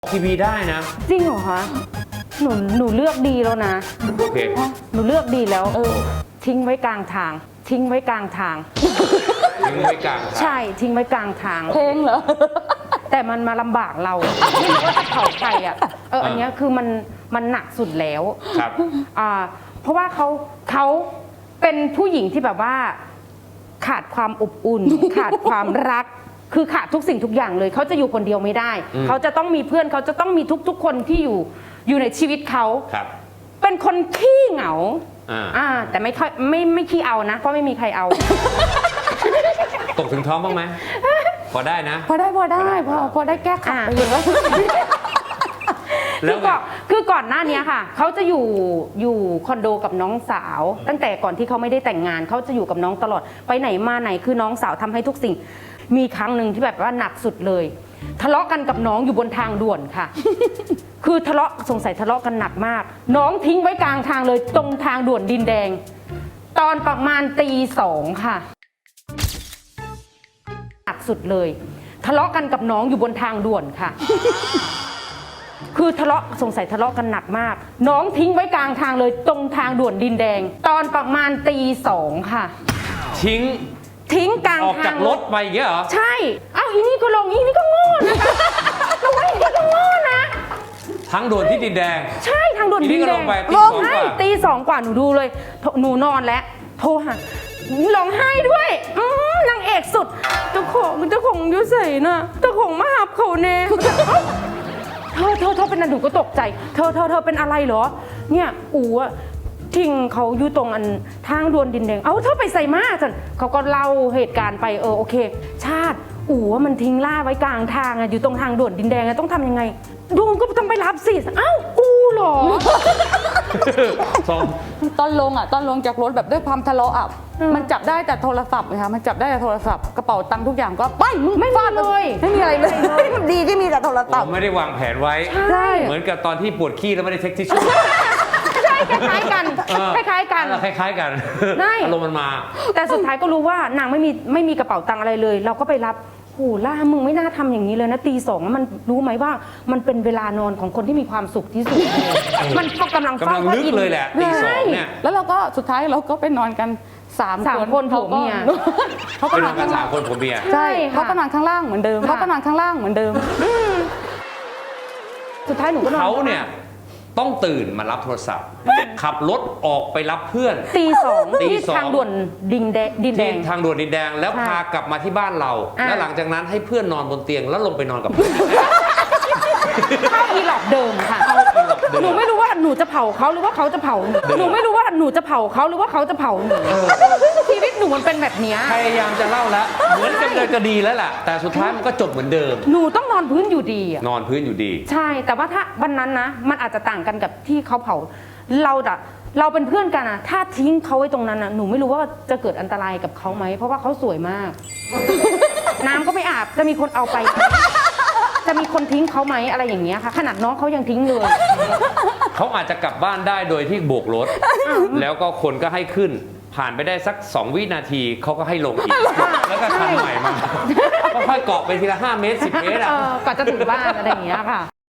ทีวีได้นะจริงเหรอคะหนูเลือกดีแล้วนะโอเคหนูเลือกดีแล้วทิ้งไว้กลางทางทิ้งไว้กลางทางทิ้งไว้กลางทางใช่ทิ้งไว้กลางทางเพลงเหรอแต่มันมาลำบากเราไม่รู้ว่าจะเผาใครอ่ะอันนี้คือมันหนักสุดแล้วครับเพราะว่าเขาเป็นผู้หญิงที่แบบว่าขาดความอบอุ่น ขาดความรักคือขาดทุกสิ่งทุกอย่างเลยเขาจะอยู่คนเดียวไม่ได้เขาจะต้องมีเพื่อนเขาจะต้องมีทุกคนที่อยู่ในชีวิตเขาเป็นคนขี้เหงาแต่ไม่ค่อยไม่ขี้เอานะเพราะไม่มีใครเอาตกถึงท้องบ้างไหมพอได้นะพอได้พอได้แก้ขัดไปเยอะคือก่อนหน้านี้ค่ะเขาจะอยู่คอนโดกับน้องสาวตั้งแต่ก่อนที่เขาไม่ได้แต่งงานเขาจะอยู่กับน้องตลอดไปไหนมาไหนคือน้องสาวทำให้ทุกสิ่งมีครั้งหนึ่งที่แบบว่าหนักสุดเลยทะเลาะกันกับน้องอยู่บนทางด่วนค่ะคือสงสัยทะเลาะกันหนักมากน้องทิ้งไว้กลางทางเลยตรงทางด่วนดินแดงตอนประมาณตี 2ค่ะหนักสุดเลยทะเลาะกันกับน้องอยู่บนทางด่วนค่ะคือสงสัยทะเลาะกันหนักมากน้องทิ้งไว้กลางทางเลยตรงทางด่วนดินแดงตอนประมาณตี 2ค่ะทิ้งกลางทางออกจากรถไปอย่างเงี้ยเหรอใช่อีนี่ก็ลงอีนี่ก็โง่นะคะเราว่าอีนี่ก็โง่นะทางด่วนที่ดินแดงใช่ทางด่วนดินแดงตี 2 กว่าหนูดูเลยหนูนอนแล้วโทรหาร้องไห้ด้วยนางเอกสุดเจ้าของยุ่ใส่น่ะเจ้าของมาหับเขาเน่เธอเป็นอะไรหนูก็ตกใจเธอเป็นอะไรเหรอเนี่ยอู๋ทิ้งเขาอยู่ตรงทางด่วนดินแดงเธอไปใส่มาจันเขาก็เล่าเหตุการณ์ไปโอเคชาติอู๋มันทิ้งล่าไว้กลางทางอยู่ตรงทางด่วนดินแดงต้องทำยังไงดวงก็ต้องไปรับสิกูเหรอตอนลงจากรถแบบด้วยความทะเลาะมันจับได้แต่โทรศัพท์นะคะมันจับได้แต่โทรศัพท์กระเป๋าตังค์ทุกอย่างก็ไปไม่ฟาดเลยไม่มีอะไรเลยมันดีที่มีแต่โทรศัพท์ไม่ได้วางแผนไว้เหมือนกับตอนที่ปวดขี้แล้วไม่ได้เช็คทิชชู่คล้ายๆกันคล้ายๆกันอารมณ์มันมาแต่สุดท้ายก็รู้ว่านางไม่มีกระเป๋าตังค์อะไรเลยเราก็ไปรับล่ามึงไม่น่าทำอย่างนี้เลยนะตี 2มันรู้ไหมว่ามันเป็นเวลานอนของคนที่มีความสุขที่สุดมันกำลังลึกเลยแหละตี 2เนี่ยแล้วเราก็สุดท้ายเราก็ไปนอนกัน3 คนผัวเมียเขาก็นอนกัน3 คนผัวเมียใช่เขาก็นอนข้างล่างเหมือนเดิมสุดท้ายหนูก็นอนเขาเนี่ยต้องตื่นมารับโทรศัพท์ขับรถออกไปรับเพื่อนตี 2ที่ทางด่วนดินแดงทางด่วนดินแดงแล้วพากลับมาที่บ้านเราแล้วหลังจากนั้นให้เพื่อนนอนบนเตียงแล้วลงไปนอนกับเพื่อนเข้าอีหลอกเดิมค่ะหนูไม่รู้ว่าหนูจะเผาเขาหรือว่าเขาจะเผาหนูไม่รู้ว่าหนูจะเผาเขาหรือว่าเขาจะเผาหนูชีวิตหนูมันเป็นแบบนี้พยายามจะเล่าแล้วเหมือนกันเลยก็ดีแล้วล่ะแต่สุดท้ายมันก็จบเหมือนเดิมหนูต้องนอนพื้นอยู่ดีนอนพื้นอยู่ดีใช่แต่ว่าถ้าวันนั้นนะมันอาจจะต่างกันกับที่เขาเผาเราเป็นเพื่อนกันนะถ้าทิ้งเขาไว้ตรงนั้นนะหนูไม่รู้ว่าจะเกิดอันตรายกับเขาไหมเพราะว่าเขาสวยมากน้ำก็ไม่อาบจะมีคนเอาไปจะมีคนทิ้งเขาไหมอะไรอย่างเงี้ยค่ะขนาดน้องเขายังทิ้งเลยเขาอาจจะกลับบ้านได้โดยที่โบกรถแล้วก็คนก็ให้ขึ้นผ่านไปได้สัก2 วินาทีเขาก็ให้ลงอีกแล้วก็คันใหม่มาค่อยๆเกาะไปทีละ5 เมตร 10 เมตรก่อนจะถึงบ้านอะไรอย่างเงี้ยค่ะ